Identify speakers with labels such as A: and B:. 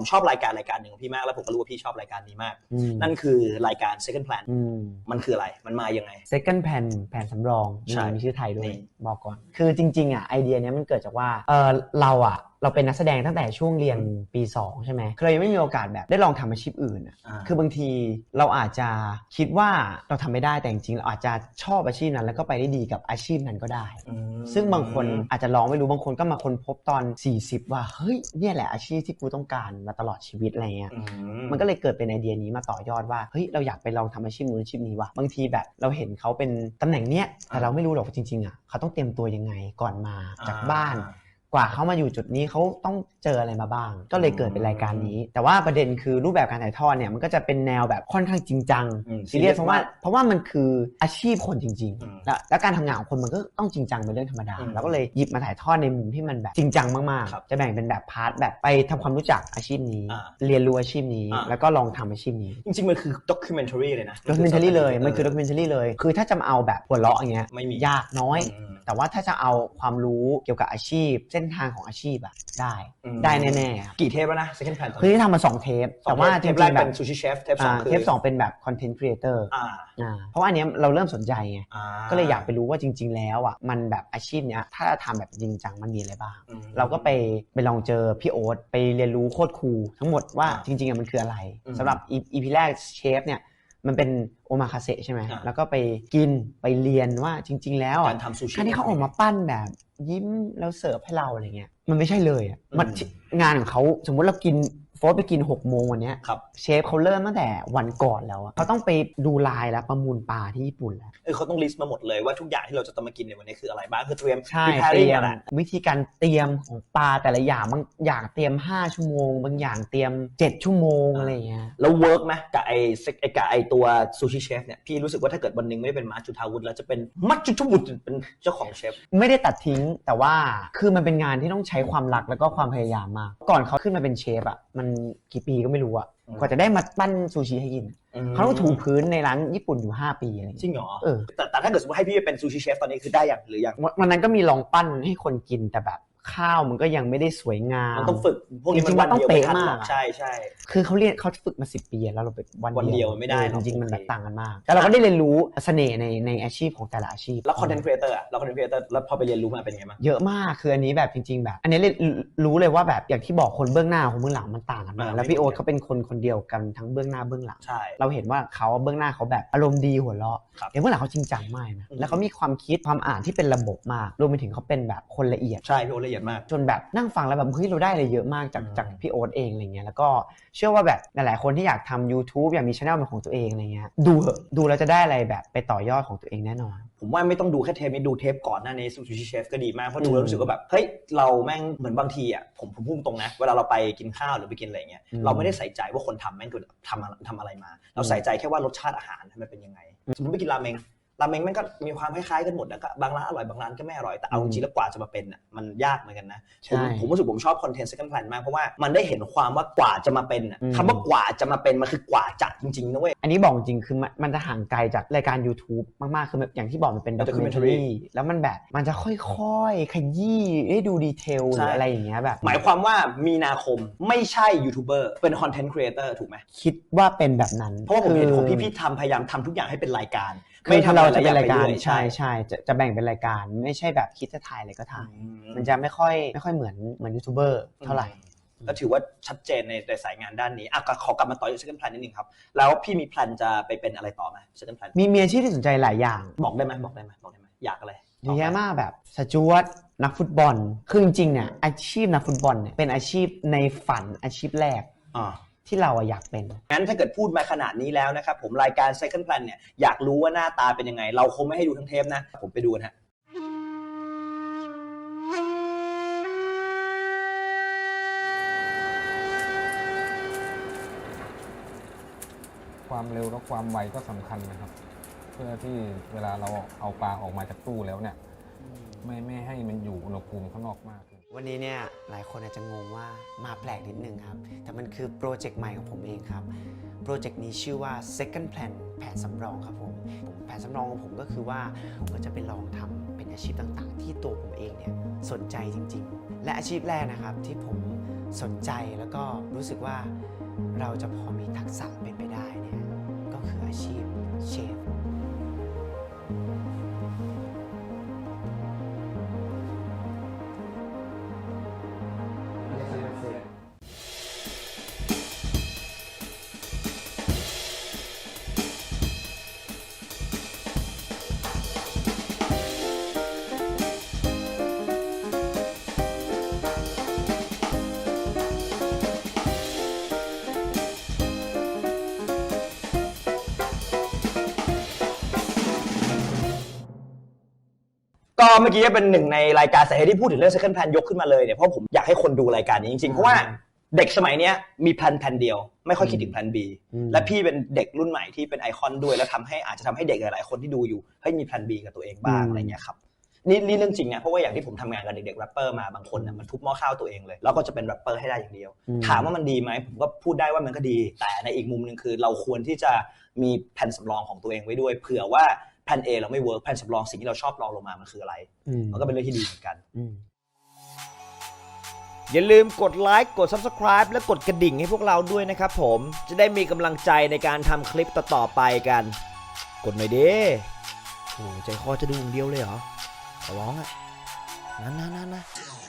A: ชอบรายการหนึ่งของพี่มากแล้วผมก็รู้ว่าพี่ชอบรายการนี้มากนั่นคือรายการ Second Plan มันคืออะไรมันมายังไง
B: Second Plan แผนสำรองมีชื่อไทยด้วยบอกก่อนคือจริงๆไอเดียนี้มันเกิดจากว่าเราเป็นนักแสดงตั้งแต่ช่วงเรียนปี2ใช่ไหมเรายังไม่มีโอกาสแบบได้ลองทำอาชีพอื่นคือบางทีเราอาจจะคิดว่าเราทำไม่ได้แต่จริงๆเราอาจจะชอบอาชีพนั้นแล้วก็ไปได้ดีกับอาชีพนั้นก็ได้ซึ่งบางคนอาจจะลองไม่รู้บางคนก็มาค้นพบตอน40ว่าเฮ้ยเนี่ยแหละอาชีพที่กูต้องการมาตลอดชีวิตอะไรเงี้ยมันก็เลยเกิดเป็นไอเดียนี้มาต่อยอดว่าเฮ้ยเราอยากไปลองทำอาชีพนู้นอาชีพนี้ว่ะบางทีแบบเราเห็นเขาเป็นตำแหน่งเนี้ยแต่เราไม่รู้หรอกจริงๆเขาต้องเตรียมตัวยังไงก่อนมาจากบ้านกว่าเขามาอยู่จุดนี้เขาต้องเจออะไรมาบ้างก็เลยเกิดเป็นรายการนี้แต่ว่าประเด็นคือรูปแบบการถ่ายทอดเนี่ยมันก็จะเป็นแนวแบบค่อนข้างจริงจังซีเรียสเพราะว่ามันคืออาชีพคนจริงๆแล้วการทำงานของคนมันก็ต้องจริงจังเป็นเรื่องธรรมดาแล้วก็เลยหยิบมาถ่ายทอดในมุมที่มันแบบจริงจังมากๆจะแบ่งเป็นแบบพาร์ทแบบไปทำความรู้จักอาชีพนี้เรียนรู้อาชีพนี้แล้วก็ลองทำอาชีพนี้
A: จริงๆมันคือด็อกิเมนทารีเลยนะ
B: ด็อกิเมนทารีเลยมันคือด็อกิเมนทารีเลยคือถ้าจะมาเอาแบบหัวเราะอย่างเงี้ยยากน้อยแต่ว่าถ้าจะเอาความรู้เกี่ยวกับอาชีพเส้นทางของอาชีพได้แน่ๆ
A: กี่เทปแล้วนะ Second Plan
B: คือที่ทำมา2เทปแต่ว่า
A: เทปแรกเป็นซูชิเชฟเทป
B: 2เป็นแบบคอนเทนต์ครีเอเตอร์เพราะว่าอันนี้เราเริ่มสนใจไงก็เลยอยากไปรู้ว่าจริงๆแล้วมันแบบอาชีพเนี้ยถ้าทำแบบจริงจังมันมีอะไรบ้างเราก็ไปลองเจอพี่โอ๊ตไปเรียนรู้โคตรคูลทั้งหมดว่าจริงๆมันคืออะไรสำหรับ EP แรกเชฟเนี่ยมันเป็นโอมาคาเซใช่ไหมแล้วก็ไปกินไปเรียนว่าจริงๆแล้ว
A: การทำซูชิ
B: ที่เขาออกมาปั้นแบบยิ้มแล้วเสิร์ฟให้เราอะไรเงี้ยมันไม่ใช่เลยมันงานของเขาสมมติเรากินโฟร์ไปกิน6 โมงวันนี้เชฟเขาเริ่มตั้งแต่วันก่อนแล้วเขาต้องไปดูลายแล้วประมูลปลาที่ญี่ปุ่นแล้ว
A: เขาต้องลิสต์มาหมดเลยว่าทุกอย่างที่เราจะต้องมากินในวันนี้คืออะไรบ้างคือเตรียม
B: วิธีการเตรียมของปลาแต่ละอย่างบางอย่างเตรียม5 ชั่วโมงบางอย่างเตรียม7 ชั่วโมงอะไรเงี้ย
A: แล้วเวิร์กไหมกับไอตัวซูชิเชฟเนี่ยพี่รู้สึกว่าถ้าเกิดวันนึงไม่ได้เป็นมาร์คจุฑาวุฒิแล้วจะเป็นมัจจุฑาวุฒิเป็นเจ้าของเชฟ
B: ไม่ได้ตัดทิ้งแต่ว่าคือมันเป็นงานที่ต้องใช้ความรักแล้วก็ความพยายามมากก่อนเขาขึ้นมาเป็นเชฟมันกี่ปีก็ไม่รู้กว่าจะได้มาปั้นซูชิให้กินเขาต้องถูพื้นในร้านญี่ปุ่นอยู่5 ปีอะไร
A: จริงเหรอแต่ถ้าเกิดสมมติให้พี่เป็นซูชิเชฟตอนนี้คือได้อย่างหรือยัง
B: วันนั้นก็มีลองปั้นให้คนกินแต่แบบข้าวมันก็ยังไม่ได้สวยงาม
A: มันต้องฝึกพวกนี้
B: มันต้องเป๊ะมาก
A: ใช่
B: คือเขาฝึกมา10 ปีแล้วเราไป
A: วันเดียวไม่ได้
B: จริงๆมันแบบต่างกันมากแต่เราก็ได้เรียนรู้เสน่ห์ในอาชีพของแต่ละอาชีพ
A: แล้วคอนเทนต์ครีเอเตอร์แล้วพอไปเรียนรู้มาเป็นไงบ้าง
B: เยอะมากคืออันนี้แบบจริงๆแบบอันนี้รู้เลยว่าแบบอย่างที่บอกคนเบื้องหน้าของเบื้องหลังมันต่างกันมากแล้วพี่โอ๊ตเขาเป็นคนเดียวกันทั้งเบื้องหน้าเบื้องหลังเราเห็นว่าเขาเบื้องหน้าเขาแบบอารมณ์ดีหัวเราะเบื้องหลังเขาจริงจังมากนะแล้วเขามีความคิดความอ่านที่เป็นระบบมากรวมไปถึงเขาเป็นแบบคนละเอียด
A: ใช่พี่โอ๊ตละเอียดมาก
B: จนแบบนั่งฟังแล้วแบบเฮ้ยเราได้อะไรเยอะมากจากพี่โอ๊ตเองอะไรเงี้ยแล้วก็เชื่อว่าแบบหลายๆคนที่อยากทำ YouTube อยากมี channel เป็นของตัวเองอะไรเงี้ยดูแล้วจะได้อะไรแบบไปต่อยอดของตัวเองแน่นอน
A: ผมว่าไม่ต้องดูแค่เทปนี้ดูเทปก่อนหน้านี้ซูชิเชฟก็ดีมากเพราะดูแล้วรู้สึกว่าแบบเฮ้ยเราแม่งเหมือนบางทีผมพูดตรงนะเวลาเราไปกินข้าวหรือไปกินอะไรเงี้ยเราไม่ได้ใส่ใจว่าคนทำแม่งคือทำอะไรมาเราใส่ใจแค่ว่ารสชาติอาหารมันเป็นยังไงสมมติไปกินราเมงแม่งก็มีความคล้ายๆกันหมดแล้วก็บางร้านอร่อยบางร้านก็ไม่อร่อยแต่เอาจริงๆแล้วกว่าจะมาเป็นมันยากเหมือนกันนะผมรู้สึกผมชอบคอนเทนต์ Second Plan มากเพราะว่ามันได้เห็นความว่ากว่าจะมาเป็นคำว่ากว่าจะมาเป็นมันคือกว่าจะจริงๆนะเว้ย
B: อันนี้บอกจริงคือมันจะห่างไกลจากรายการ YouTube มากๆคืออย่างที่บอกมันเป็นด็อกิเมนทารีแล้วมันแบบมันจะค่อยๆขยี้ให้ดูดีเทลหรืออะไรอย่างเงี้ยแบบ
A: หมายความว่ามีนาคมไม่ใช่ยูทูบเบอร์เป็นคอนเทนต์ครีเอเตอร์ถูกไหม
B: คิดว่าเป็นแบบนั้น
A: เพราะว่าผมเห็นของพี่พยายามทำทุกอย่างให้เป็นรายการ
B: ไม่ถ้าเราจะเป็นรายการใช่จะแบ่งเป็นรายการไม่ใช่แบบคิดจะถ่ายอะไรก็ถ่ายมันจะไม่ค่อยเหมือนยูทูบเบอร์เท่าไหร่
A: ก็ถือว่าชัดเจนในสายงานด้านนี้ขอกลับมาต่อที่ Second Plan นิดนึงครับแล้วพี่มีแพลนจะไปเป็นอะไรต่อไหม Second Plan
B: มีอาชีพที่สนใจหลายอย่าง
A: บอกได้ไหมอยากอะไร
B: เยอะแยะมากแบบสจ๊วตนักฟุตบอลคือจริงๆเนี่ยอาชีพนักฟุตบอลเนี่ยเป็นอาชีพในฝันอาชีพแรกที่เราอยากเป็น
A: งั้นถ้าเกิดพูดมาขนาดนี้แล้วนะครับผมรายการ Second Plan เนี่ยอยากรู้ว่าหน้าตาเป็นยังไงเราคงไม่ให้ดูทั้งเทปนะผมไปดูนะฮะ
C: ความเร็วและความไวก็สำคัญนะครับเพื่อที่เวลาเราเอาปลาออกมาจากตู้แล้วเนี่ยไม่ให้มันอยู่อุณหภูมิข้างนอกมาก
B: วันนี้เนี่ยหลายคนอาจจะงงว่ามาแปลกนิดนึงครับแต่มันคือโปรเจกต์ใหม่ของผมเองครับโปรเจกต์นี้ชื่อว่า Second Plan แผนสำรองครับผมแผนสำรองของผมก็คือว่าผมก็จะไปลองทำเป็นอาชีพต่างๆที่ตัวผมเองเนี่ยสนใจจริงๆและอาชีพแรกนะครับที่ผมสนใจแล้วก็รู้สึกว่าเราจะพอมีทักษะเป็นไปได้เนี่ยก็คืออาชีพเชฟ
A: ก็เมื่อกี้เป็นหนึ่งในรายการสาเหตุที่พูดถึงเรื่อง second plan ยกขึ้นมาเลยเนี่ยเพราะผมอยากให้คนดูรายการนี้จริงๆเพราะว่าเด็กสมัยนี้มีแพลนเดียวไม่ค่อยคิดถึงแพลน B และพี่เป็นเด็กรุ่นใหม่ที่เป็นไอคอนด้วยแล้วอาจจะทำให้เด็กหลายๆคนที่ดูอยู่ให้มีแพลน B กับตัวเองบ้างอะไรเงี้ยครับนี่เรื่องจริงนะเพราะว่าอย่างที่ผมทำงานกับเด็กๆแรปเปอร์มาบางคนน่ะมันทุบหม้อข้าวตัวเองเลยแล้วก็จะเป็นแรปเปอร์ให้ได้อย่างเดียวถามว่ามันดีไหมผมก็พูดได้ว่ามันก็ดีแต่ในอีกมุมนึงคือเราควรที่จะมีแผนสำรองของตัวเองไว้ด้วยเผื่อว่าแผน A เราไม่เวิร์กแผนสำรองสิ่งที่เราชอบลองลงมามันคืออะไรมันก็เป็นเรื่องที่ดีเหมือนกัน
D: อย่าลืมกดไลค์กด Subscribe และกดกระดิ่งให้พวกเราด้วยนะครับผมจะได้มีกำลังใจในการทำคลิปต่อๆไปกันกดหน่อยดิโอ้ใจคอจะดูอย่างเดียวเลยเหรอขอร้องอ่ะนะ